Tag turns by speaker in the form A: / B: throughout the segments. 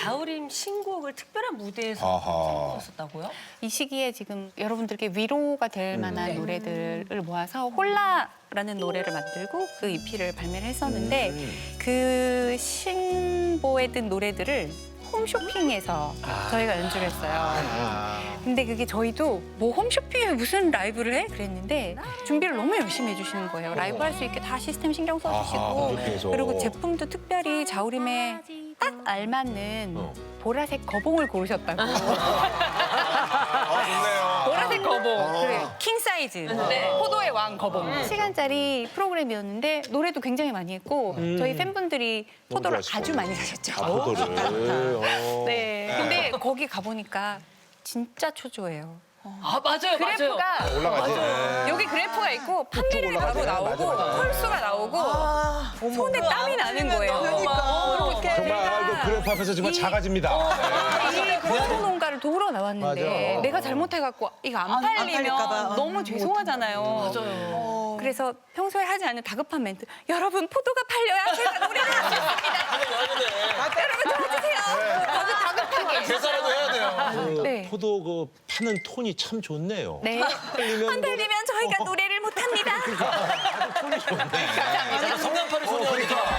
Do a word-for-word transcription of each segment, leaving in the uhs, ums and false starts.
A: 자우림 신곡을 특별한 무대에서 선보였었다고요?
B: 이 시기에 지금 여러분들께 위로가 될 만한 음. 노래들을 모아서 홀라라는 노래를 만들고 그 이피를 발매를 했었는데 음. 그 신보에 든 노래들을 홈쇼핑에서 아. 저희가 연주를 했어요. 아. 근데 그게 저희도 뭐 홈쇼핑에 무슨 라이브를 해? 그랬는데 준비를 너무 열심히 해주시는 거예요. 라이브 할 수 있게 다 시스템 신경 써주시고
C: 아하,
B: 그리고 제품도 특별히 자우림에 딱 알맞는 어. 보라색 거봉을 고르셨다고.
C: 아, 좋네요.
B: 보라색 거봉. 그래, 킹 사이즈. 네. 포도의 왕 거봉. 음. 시간짜리 프로그램이었는데 노래도 굉장히 많이 했고 음. 저희 팬분들이 포도를 아주 많이 사셨죠.
C: 아, 포도를.
B: 네. 근데 거기 가보니까 진짜 초조해요.
A: 아 맞아요,
B: 그래프가
A: 맞아요.
C: 올라가지. 네.
B: 여기 그래프가 있고 판매량이 바로 나오고 홀수가 나오고 아, 손에 땀이 나는 거예요.
D: 그러니까.
C: 정말 그 그래프 앞에서 정말 작아집니다.
B: 이 포도 농가를 도우러 나왔는데
C: 맞아.
B: 내가 잘못해갖고 이거 안 팔리면 너무 죄송하잖아요.
A: 맞아요.
B: 그래서 평소에 하지 않는 다급한 멘트. 여러분 포도가 팔려야 제가 노래를 할 수 있습니다. 여러분 도와주세요. 다급 다급하게.
D: 계산라도 해야 돼요.
B: 네.
C: 포도 그 파는 톤이 참 좋네요.
B: 네. 안 팔리면 저희가 노래를 못 합니다.
C: 톤이 좋네.
D: 약간 성냥팔이 소리 하니까.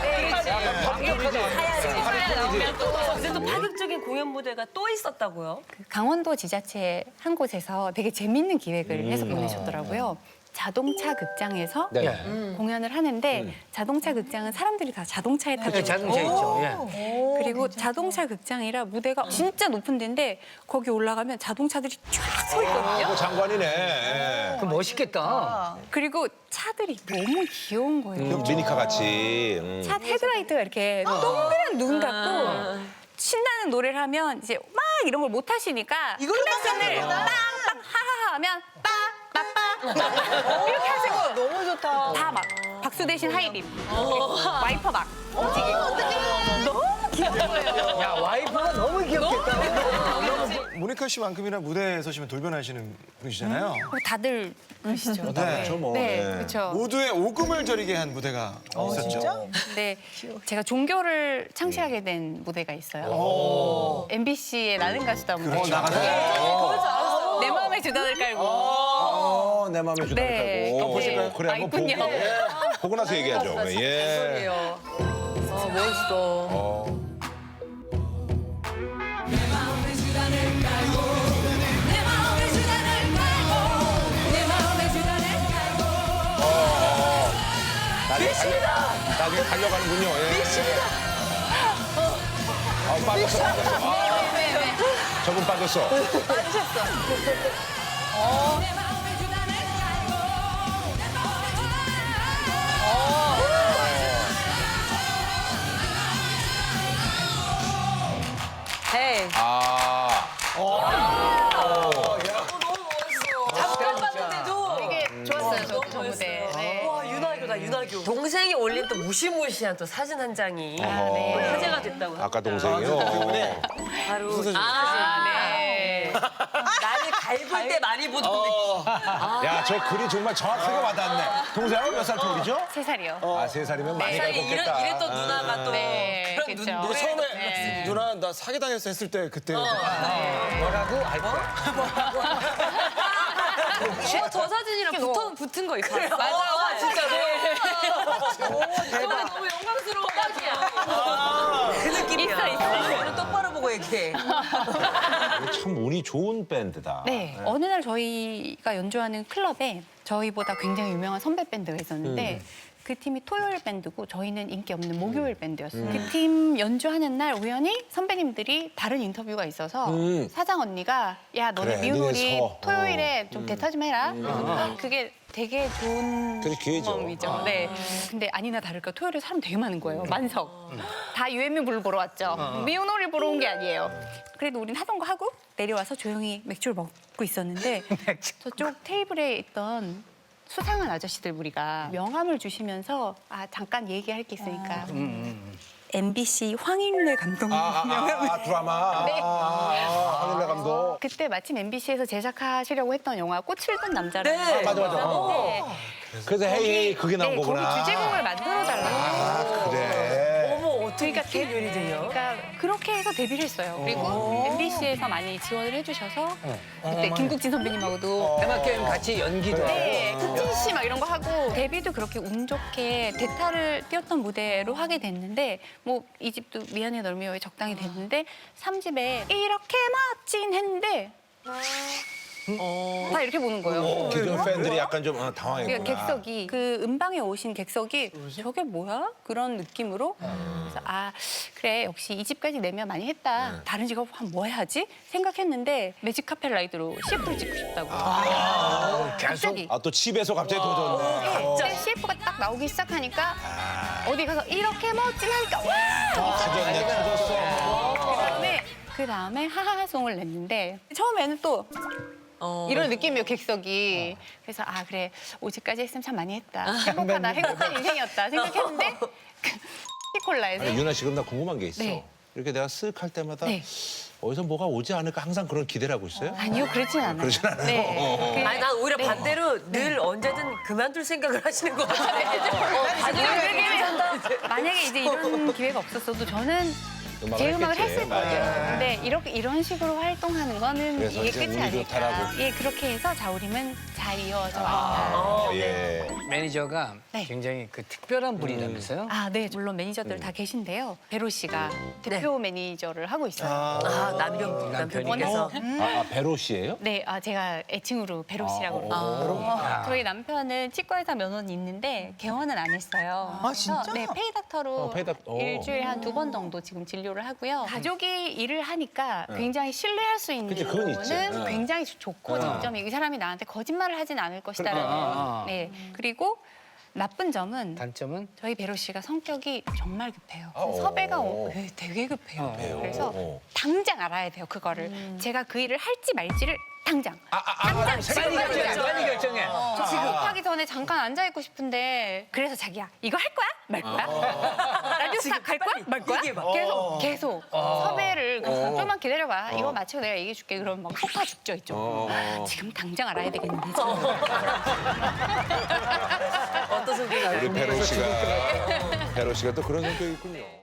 A: 근데 또 파격적인 공연 무대가 또 있었다고요?
B: 그 강원도 지자체 한 곳에서 되게 재밌는 기획을 해서 보내셨더라고요. 자동차 극장에서
E: 네.
B: 음. 공연을 하는데 음. 자동차 극장은 사람들이 다 자동차에 타고
E: 네, 자동차 있죠. 예.
B: 그리고 자동차 극장이라 무대가 진짜 높은 데인데 거기 올라가면 자동차들이 쫙 서 있거든요.
C: 그 장관이네.
E: 그 멋있겠다.
B: 그리고 차들이 너무 귀여운 거예요.
C: 미니카 같이. 음.
B: 차 헤드라이트가 이렇게 동그란 눈 같고 신나는 노래를 하면 이제 막 이런 걸 못 하시니까 클락슨을 빵빵 하하하 하면 빠빠빠 이렇게 하시고 너무 좋다. 다 막 박수 대신 하이빔 와이퍼 막 움직이고 너무 귀여운 거예요.
E: 야, 와이프가 너무 귀엽겠다.
D: 모니카 씨만큼이나 무대에 서시면 돌변하시는 분이시잖아요.
B: 다들 그러시죠.
D: 네.
C: 저 뭐.
B: 네,
C: 네.
B: 그렇죠.
D: 모두의 오금을 저리게 한 무대가 있었죠.
B: 근데 제가 종교를 창시하게 된 무대가 있어요. 엠비씨의 나는 가수다 무대.
D: 어, 나가네.
B: 내 마음에 주단을 깔고.
C: 어, 내 마음에 주다
B: 네.
C: 깔고.
B: 보실까요?
C: 그래,
B: 아,
C: 한번 보고.
B: 있군요.
C: 예. 보고 나서 얘기하죠. 예.
A: 아 멋있어.
C: 어. 미십니다. 나중에 달려가는군요. 예. 미십니다. 아, 빠졌어, 빠졌어. 아,
B: 네, 네.
C: 저분 빠졌어.
A: 헤이.
C: 아.
A: 잠깐 봤는데도
B: 되게 좋았어요, 저, 저 무대. 네.
A: 와 윤하교다 윤하교. 동생이 올린 또 무시무시한 또 사진 한 장이
B: 네.
A: 또 화제가 됐다고.
C: 아까 동생이요.
A: 바로
B: 아, 네.
A: 나를 갈굴 때 많이 보던 느낌.
C: 야, 저 글이 정말 정확하게 와닿네. 동생하고 몇 살 터울이죠?
B: 세 살이요.
C: 아, 세 살이면 많이
A: 세상에
C: 갈궜겠다.
A: 이런 이랬던 누나가 또
B: 네,
A: 그런
B: 그쵸.
A: 눈
D: 근데
A: 노래
D: 처음에
B: 네.
D: 누나 나 사기당했어 했을 때 그때
E: 뭐라고? 알 거야.
A: 어, 저 사진이랑 붙어 붙은 거 있어요. 맞아,
B: 맞아.
A: 진짜로. 대박. 너무 영광스러워가지고. 그 느낌이야.
B: 있어, 있어.
A: 이거는 똑바로 보고 얘기해.
C: 참 운이 좋은 밴드다.
B: 네. 어느 날 저희가 연주하는 클럽에 저희보다 굉장히 유명한 선배 밴드가 있었는데 그 팀이 토요일 밴드고 저희는 인기 없는 목요일 밴드였어요. 그 팀 연주하는 날 우연히 선배님들이 다른 인터뷰가 있어서
C: 음.
B: 사장 언니가 야 너네
C: 그래,
B: 미운 우리
C: 니네 서.
B: 토요일에 좀 대타 좀 해라. 그게 되게 좋은
C: 되게 기회죠.
B: 경험이죠. 네. 근데 아니나 다를까 토요일에 사람 되게 많은 거예요. 만석. 다 유앤미 불 보러 왔죠. 미운 우리 보러 온 게 아니에요. 그래도 우린 하던 거 하고 내려와서 조용히 맥주를 먹고 있었는데 저쪽 테이블에 있던 수상한 아저씨들 우리가 명함을 주시면서 아 잠깐 얘기할 게 있으니까 엠비씨 황인래 감독님
C: 아, 아,
B: 명함을
C: 아, 아, 드라마.
B: 네.
C: 아, 아, 황인래 감독.
B: 그때 마침 엠비씨에서 제작하시려고 했던 영화 꽃을 든 남자라는
A: 네.
B: 거
C: 맞아, 맞아. 어.
B: 네.
C: 그래서 헤이 헤이 그게 나온
B: 네,
C: 거구나.
B: 거기 주제곡을 만들어 달라고.
C: 아, 그래.
A: 어머 어떻게
B: 그러니까
A: 획기적인 요리들요.
B: 그러니까 그렇게 해서 데뷔를 했어요. 그리고 엠비씨에서 많이 지원을 해주셔서 그때 김국진 선배님하고도
E: 테마 게임 같이 연기도 하고.
B: 네, 국진 씨 막 이런 거 하고 데뷔도 그렇게 운 좋게 대타를 띄웠던 무대로 하게 됐는데 뭐 이 집도 미안해 널 미워에 적당히 됐는데 삼 집에 이렇게 멋진 했는데 다 이렇게 보는 거예요.
C: 기존 팬들이 약간 좀 어,
B: 그
C: 당황했구나.
B: 객석이 그 음방에 오신 객석이 저게 뭐야? 그런 느낌으로 그래서 아 그래 역시 이 집까지 내면 많이 했다. 다른 직업 한 뭐 해야지 생각했는데 매직 카펫 라이드로 씨에프를 찍고 싶다고. 갑자기.
C: 아, 또 집에서 갑자기 도전네.
B: 근데 씨에프가 딱 나오기 시작하니까 어디 가서 이렇게 멋진 하니까 와!
C: 터졌네, 터졌어.
B: 그다음에 그 다음에 하하하송을 냈는데 처음에는 또
A: 어.
B: 이런 느낌이에요 객석이. 그래서 아 그래 오지까지 했으면 참 많이 했다. 행복하다 행복한 인생이었다 생각했는데 콜라에서
C: 아니, 유나 씨, 그럼 나 궁금한 게 있어.
B: 네.
C: 이렇게 내가 쓱 할 때마다
B: 네.
C: 어디서 뭐가 오지 않을까 항상 그런 기대를 하고 있어요?
B: 아니요 그렇진 않아요.
C: 그러진 않아요?
B: 네. 그-
A: 아니, 난 오히려
B: 네.
A: 반대로 늘 언제든 그만둘 생각을 하시는 것 같아요. 어,
B: 만약에, 만약에 이제 이런 기회가 없었어도 저는
C: 음악을
B: 제 음악을
C: 했겠지.
B: 했을 거예요.
C: 맞아.
B: 근데 이렇게 이런 식으로 활동하는 거는
C: 그래서
B: 이게
C: 이제
B: 끝이
C: 운이
B: 아닐까.
C: 좋다라고.
B: 예, 그렇게 해서 자우림은 잘 이어져 왔다.
C: 아, 예.
E: 매니저가
B: 네.
E: 굉장히 그 특별한 분이라면서요?
B: 아, 네. 물론 매니저들 다 계신데요. 베로 씨가 대표 매니저를 하고 있어요.
A: 아, 남편, 남편분께서.
C: 아, 아, 베로 씨예요?
B: 네, 아 제가 애칭으로 베로 씨라고 그러고
E: 아.
B: 저희 남편은 치과의사 면허는 있는데 개원은 안 했어요.
F: 아, 진짜?
B: 그래서 네, 페이닥터로
C: 어, 페이닥- 어.
B: 일주일에 한 두 번 정도 지금 진료를 하고요. 가족이 일을 하니까 굉장히 신뢰할 수 있는
C: 그치, 그건 있지.
B: 부분은
C: 네.
B: 굉장히 좋고 장점이 이 사람이 나한테 거짓말을 하진 않을 것이다라는.
E: 아, 아.
B: 네, 그리고 나쁜 점은
E: 단점은?
B: 저희 베로 씨가 성격이 정말 급해요.
C: 아, 어.
B: 섭외가 오, 네, 되게 급해요. 그래서
C: 어.
B: 당장 알아야 돼요, 그거를. 제가 그 일을 할지 말지를 당장. 당장 지금
E: 빨리
B: 빨리
E: 결정해,
B: 결정.
E: 빨리 결정해.
B: 저 지금 하기 전에 잠깐 앉아 있고 싶은데 그래서 자기야 이거 할 거야? 말 거야? 라디오 스타 갈 거야? 말 거야?
A: 얘기해봐.
B: 계속 계속 섭외를 그래서 좀만 기다려봐. 이거 마치고 내가 얘기해 줄게. 그러면 막 속아 죽죠 이쪽. 지금 당장 알아야 되겠는데. 지금.
A: 어떤 성격이
C: 우리 베로 씨가 베로 씨가 또 그런 성격이 있군요.